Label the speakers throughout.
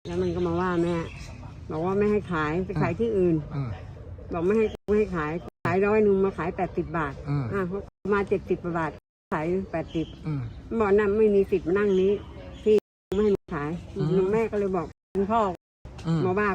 Speaker 1: แล้วมันก็มาว่าแม่บอกว่าไม่ให้ขายไปขายที่อื่นบอกไม่ให้ขาย100มาขาย80 บาทเขามา70 บาทขาย80บอกนั่นไม่มีสิทธิ์มานั่งนี้ที่ไม่ให้ขายแม่ก็เลยบอกคุณพ่อมาว่า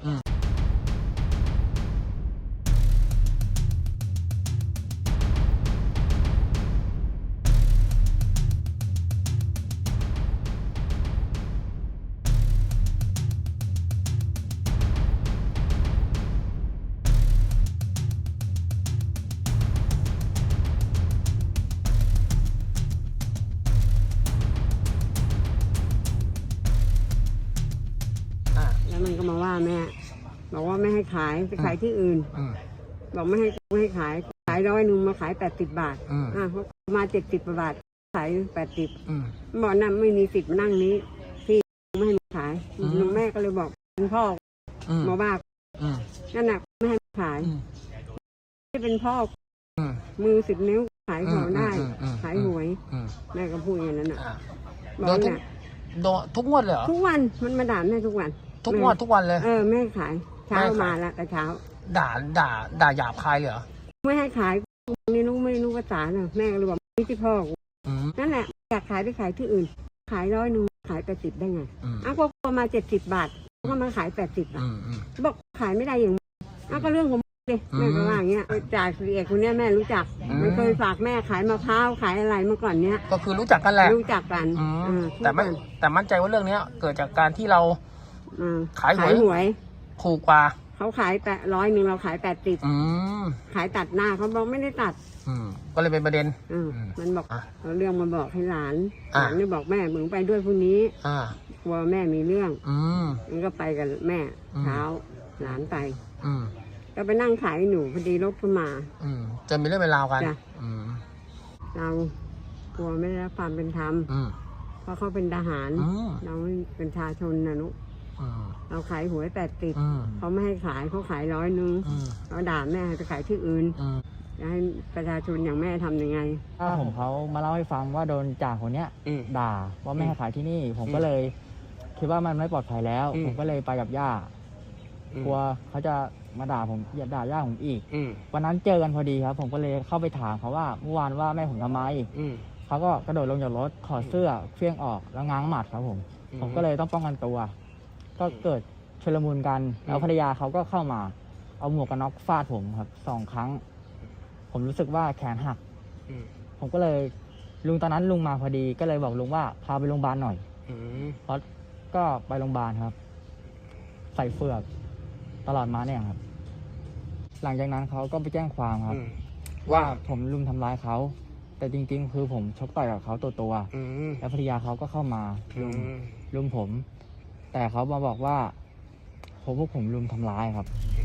Speaker 1: แล้วมันก็มาว่าแม่บอกว่าไม่ให้ขายไปขายที่อื่นบอกไม่ให้ขาย100มาขาย80 บาทเขามา70 บาทขาย80บอกนั่นไม่มีสิทธิ์มานั่งนี้ที่ไม่ให้ขายแม่ก็เลยบอกคุณพ่อมาว่านั่นน่ะไม่ให้ขายที่เป็นพ่อมือ10 นิ้วขายของได้ขายหวยแม่ก็พูดอย่างนั้นน่ะบอกเนี่ย
Speaker 2: โดนทุกงวดเลยเหรอ
Speaker 1: ทุกวันมันมาด่าแม่ทุกวัน
Speaker 2: ทุกงวดทุกวันเลย
Speaker 1: แม่ขายเช้ามาแล้วแต่เช้า
Speaker 2: ด่าหยาบคายเลยเหรอ
Speaker 1: ไม่ให้ขายไม่รู้ภาษาน่ะแม่ก็เลยบอกนี่ที่พ่อนั่นแหละอยากขายไปขายที่อื่นขาย100ขาย80ได้ไงก็มา70 บาทก็มาขาย80 บาทบอกขายไม่ได้อย่างก็เรื่องของเลยแม่ก็ว่าอย่างเงี้ยจากเอกคนนี้แม่รู้จักมันเคยฝากแม่ขายมะพร้าวขายอะไรเมื่อก่อนเนี้ย
Speaker 2: ก็คือรู้จักกันแหละ
Speaker 1: รู้จักกัน
Speaker 2: แต่มั่นใจว่าเรื่องนี้เกิดจากการที่เราขายหวยถูกกว่า
Speaker 1: เขาขาย100เราขาย80ขายตัดหน้าเขาบอกไม่ได้ตัด
Speaker 2: ก็เลยเป็นประเด็น
Speaker 1: มันบอกเอาเรื่องมาบอกให้หลานนี่บอกแม่มึงไปด้วยพรุ่งนี้กลัวแม่มีเรื่องมันก็ไปกับแม่เช้าหลานไปก็ไปนั่งขายหนูพอดีรถขึ้นมา
Speaker 2: จะมีเรื่องเป็นราวกัน
Speaker 1: เรากลัวไม่ได้รับความเป็นธรรมเพราะเขาเป็นทหารเราเป็นประชาชนนะนุเราขายหวย80เขาไม่ให้ขายเขาขาย100เขาด่าแม่จะขายที่อื่นจะให้ประชาชนอย่างแม่ทำยังไง
Speaker 3: ผมเขามาเล่าให้ฟังว่าโดนจ่าคนเนี้ยด่าว่าไม่ให้ขายที่นี่ผมก็เลยคิดว่ามันไม่ปลอดภัยแล้วผมก็เลยไปกับย่ากลัวเขาจะมาด่าผมด่าย่าผมอีกวันนั้นเจอกันพอดีครับผมก็เลยเข้าไปถามเขาว่าเมื่อวานว่าแม่ผมทำไมเขาก็กระโดดลงจากรถถอดเสื้อเฟี้ยงออกแล้วง้างหมัดครับผมก็เลยต้องป้องกันตัวก็เกิดชุลมุนกันแล้วภรรยาเขาก็เข้ามาเอาหมวกกันน็อกฟาดผมครับ2 ครั้งผมรู้สึกว่าแขนหักผมก็เลยลุงตอนนั้นลุงมาพอดีก็เลยบอกลุงว่าพาไปโรงพยาบาลหน่อยเพราะก็ไปโรงพยาบาลครับใส่เฟือกตลอดมาเนี่ยครับหลังจากนั้นเขาก็ไปแจ้งความครับว่าผมลุมทำร้ายเขาแต่จริงๆคือผมชกต่อยกับเขาตัวแล้วภรรยาเขาก็เข้ามาลุมผมแต่เขามาบอกว่าพวกผมลุมทำร้ายครับ